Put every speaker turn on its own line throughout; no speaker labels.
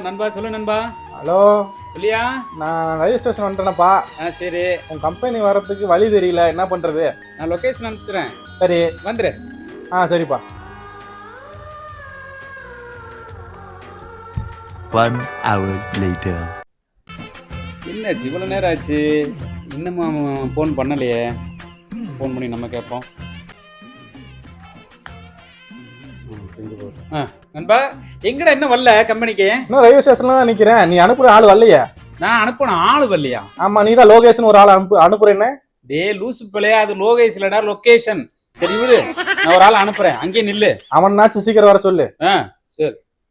நண்பா சொல்லு நண்பா.
ஹலோ
சொல்லியா?
நான் ரயில்வே ஸ்டேஷன் வந்துட்டேனப்பா.
சரி.
உன் கம்பெனி வரதுக்கு வழி தெரியல, என்ன பண்றது?
நான் லொகேஷன் அனுப்பிச்சுறேன்.
சரி
வந்துரு.
சரிப்பா.
1 hour later.
என்னாச்சு இவ்வளோ நேரம் ஆச்சு, இன்னுமா ஃபோன் பண்ணலையே? ஃபோன் பண்ணி நம்ம கேட்போம். நண்பா எங்கடா இன்னும் வரல கம்பெனிக்கு?
இன்னும் ரயில்வே ஸ்டேஷன்ல தான் நிக்கிறேன். நீ அனுப்புற ஆள் வரலையா?
நான் அனுப்பின ஆளு வரலையா?
ஆமா, நீ தான் லோகேஷன் ஒரு ஆள் அனுப்புறேன்னு.
டே லூசு பிள்ளையா, அது லோகேஷ் இல்லடா, லொகேஷன். சரி விடு, நான் ஒரு ஆள் அனுப்புறேன், அங்கேயே நில்லு.
அவனாச்சும் சீக்கிரம் வர சொல்லு.
சரி.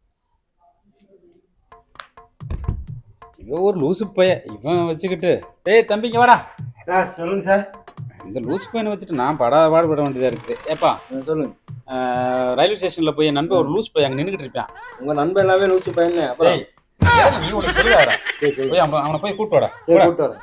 இவன் ஒரு லூசு பைய, இவன் வச்சுக்கிட்டு. டேய் தம்பிங்க வாடா.
சொல்லுங்க சார்.
இந்த லூசு பையனை வச்சுட்டு நான் பாடுபட வேண்டியதா இருக்குது. ஏப்பா
சொல்லுங்க.
ரயில்வே ஸ்டேஷன்ல போய் என் நண்பன் ஒரு லூஸ் பையன் அங்க நின்றுட்டு இருப்பான்.
உங்க நண்பன் எல்லாமே லூசு பையன். அப்புறம்
நீ உனக்கு தெரியாதா? போய் அவனை போய் கூட்டு வாடா.
கூட்டு வரேன்.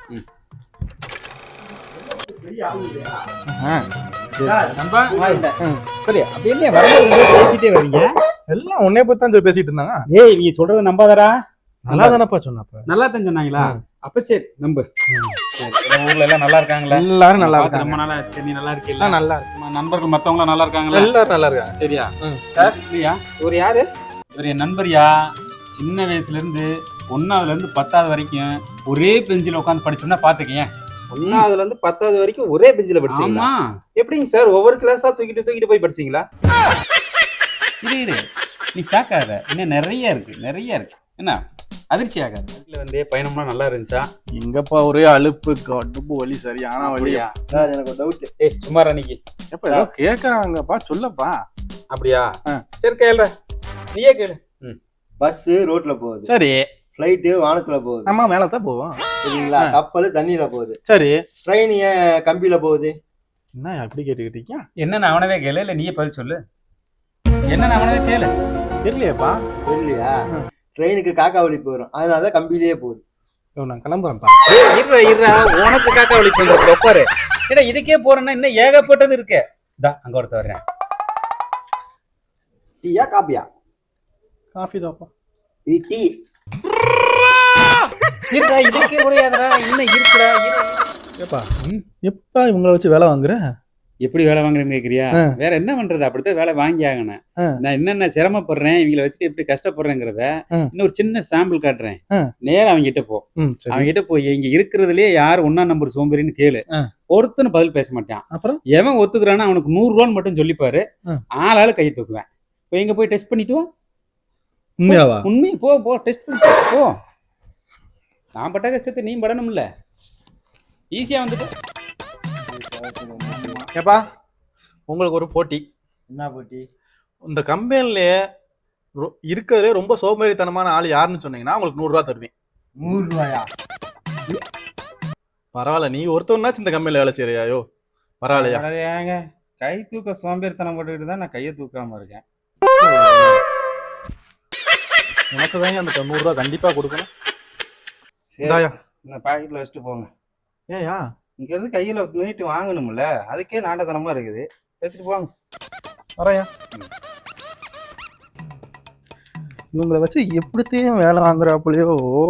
நண்பா சரி, அப்படி என்ன வரும்போது பேசிட்டே வரீங்க?
எல்லாம் உன்னைய பத்தி தான் பேசிட்டு இருந்தாங்க.
ஏய் நீ சொல்றத நம்பாதடா.
நல்லா தானப்பா சொன்னப்ப.
நல்லா தான் சொன்னாங்களா? அப்ப சரி நம்பு. ஊர்ல எல்லாம் நல்லா இருக்காங்களா?
எல்லாரும் நல்லா இருக்காங்க.
ரொம்ப நாளா ஆச்சு. நீ நல்லா இருக்கீங்களா?
நல்லா இருக்கு.
நண்பர்கள் மத்தவங்க நல்லா இருக்காங்களா?
எல்லாரும் நல்லா இருக்காங்க.
சரியா
சார்?
இல்லையா?
ஒரு யாரு?
இவர் என் நண்பரியா. சின்ன வயசுல இருந்து 1ஆவதுல இருந்து 10ஆவது வரைக்கும் ஒரே பெஞ்சில உட்காந்து படிச்சோம்னா பாத்துக்கேன்.
1ஆவதுல இருந்து 10ஆவது வரைக்கும் ஒரே பெஞ்சில படிச்சீங்களா?
ஆமா.
எப்படிங்க சார் ஒவ்வொரு கிளாஸா தூக்கிட்டு போய் படிச்சீங்களா?
இரு நீ சாக்காத, இன்னும் நிறைய இருக்கு. என்ன அதிர்ச்சி ஆகாது. வீட்டுல வந்து பயணம்லாம் நல்லா இருந்துச்சா?
எங்கப்பா ஒரே அலுப்பு, கடுப்பு வலி, சரியான வலியா.
சார் எனக்கு ஒரு டவுட்.
சுமார் அன்னைக்கு
எப்ப ஏதோ கேக்குறாங்கப்பா, சொல்லப்பா.
அப்படியா? சரி கேள்ற, நீயே கேளு.
பஸ் ரோட்ல போகுது.
சரி.
பிளைட் வானத்துல போகுது.
நம்ம மேலதான் போவோம்.
சரிங்களா? கப்பல் தண்ணியில போகுது.
சரி.
ட்ரெயின் ஏன் கம்பியில போகுது?
என்ன அப்படி கேட்டுக்கிட்டீங்க?
என்னன்னு அவனவே கேளு, இல்ல நீயே பதில் சொல்லு. என்னன்னு அவனவே கேளு.
தெரியலையாப்பா?
தெரியலையா? ட்ரெயினுக்கு காக்கா வலி போயிடும், அதனாலதான் கம்பியிலேயே போகுது.
நான் கிளம்புறேன்ப்பா.
இருடா உனக்கு காக்கா வலி போயிடும், உட்காரு. ஏடா இதுக்கே போறேன்னா இன்னும் ஏகப்பட்டது இருக்கு. அங்க ஒருத்த வர்றேன்.
டீயா காப்பியா?
காஃபி தான்ப்பா.
இது டீ.
இருடா இதுக்கே முடியாதடா, இன்னும் இருக்குடா.
ஏப்பா எப்பா இவங்களை வச்சு வேலை வாங்குற?
எப்படி வேலை வாங்குறேன்னு கேக்குறியா? வேற என்ன பண்றது, அப்படித்தான் வேலை வாங்கி ஆகணும். நான் என்னென்ன சிரமப்படுறேன், இவங்களை வச்சுட்டு எப்படி கஷ்டப்படுறேங்கிறத இன்னொரு சின்ன சாம்பிள் காட்டுறேன். நேரம் அவங்க கிட்ட போ. அவங்க கிட்ட போய் இங்க இருக்கிறதுலயே யார் 1ஆம் நம்பர் சோம்பேறின்னு கேளு. ஒருத்தனும் பதில் பேச மாட்டான். அப்புறம் எவன் ஒத்துக்குறானா அவனுக்கு 100 ரூபான்னு மட்டும் சொல்லிப்பாரு. ஆளாளு கையை தூக்குவேன். இப்போ இங்க போய் டெஸ்ட் பண்ணிட்டு வா.
உண்மையாவா?
உண்மை. போ டெஸ்ட் பண்ணிட்டு போ. நான் பட்ட கஷ்டத்தை நீ படணும்ல. ஈஸியா வந்துட்டு.
ஏப்பா உங்களுக்கு ஒரு போட்டி.
என்ன போட்டி?
இந்த கம்பெனிலேயே இருக்கிறதுலே ரொம்ப சோம்பேறித்தனமான ஆள் யாருன்னு சொன்னீங்கன்னா உங்களுக்கு 100 ரூபா தருவேன்.
100 ரூபாயா?
பரவாயில்ல, நீ ஒருத்தவனாச்சும் இந்த கம்பெனில வேலை செய்யறியாயோ? பரவாயில்லையா?
ஏங்க கை தூக்க சோம்பேறித்தனம் போட்டுக்கிட்டு தான் நான் கையை தூக்காம இருக்கேன்.
உனக்கு தாங்க அந்த 100 ரூபா கண்டிப்பா கொடுக்கணும்.
சரி, இந்த பாக்கெட்ல வச்சுட்டு போங்க.
ஏயா
இங்க இருந்து கையில நீட்டு வாங்கணும்ல, அதுக்கே நாண்டத்தனமா இருக்குது. வச்சுட்டு போங்க.
வரையா இவங்களை வச்சு எப்படித்தையும் வேலை வாங்குறாப்புலையோ.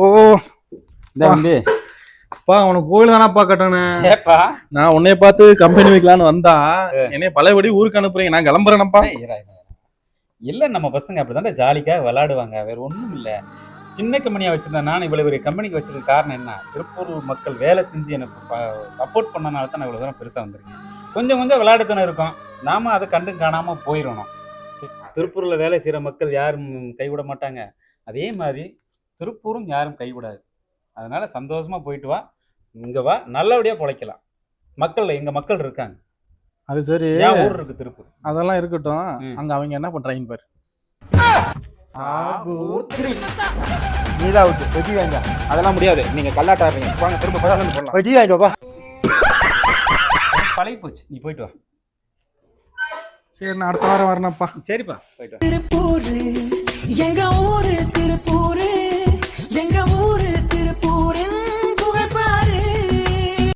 அப்பா அவனுக்கு கோயில் தானப்பா கட்டணும். நான் உன்னைய பார்த்து கம்பெனி வைக்கலான்னு வந்தா என்னைய பழையபடி ஊருக்கு அனுப்புறீங்க. நான் கிளம்புறேனப்பா.
இல்ல நம்ம பசங்க அப்படிதான் ஜாலிக்கா விளையாடுவாங்க, வேற ஒண்ணும் இல்ல. சின்ன கம்பெனியா வச்சிருந்தேன் நான், இவ்வளவு பெரிய கம்பெனிக்கு வச்சிருக்க காரணம் என்ன? திருப்பூர் மக்கள் வேலை செஞ்சு எனக்கு சப்போர்ட் பண்ணனால தான் நான் இவ்வளவு தூரம் பெருசா வந்திருக்கேன். கொஞ்சம் விளையாடுத்தனம் இருக்கும், நாம அதை கண்டு காணாம போயிடணும். திருப்பூர்ல வேலை செய்யற மக்கள் யாரும் கைவிட மாட்டாங்க, அதே மாதிரி திருப்பூரும் யாரும் கைவிடாது. அதனால சந்தோஷமா போயிட்டு வா, இங்க வா, நல்லபடியா பொழைக்கலாம். எங்க மக்கள் இருக்காங்க.
அது சரி,
ஊர் இருக்கு திருப்பூர்.
அதெல்லாம் இருக்கட்டும், அங்க அவங்க என்ன பண்றாங்க பாரு.
நீதான் அவுட்டு. வெட்டி வாங்க.
அதெல்லாம் முடியாது, நீங்க கல்லாட்டாடுறீங்க. வாங்க திரும்ப போடலாம்.
வெட்டி வாங்கிட்டு வா.
பழகி போச்சு, நீ போயிட்டு வா.
சரி நான் அடுத்த வாரம் வரேனப்பா.
சரிப்பா போயிட்டு வா.
திருப்பூர் எங்க ஊரு, திருப்பூர் எங்க ஊரு, திருப்பூர்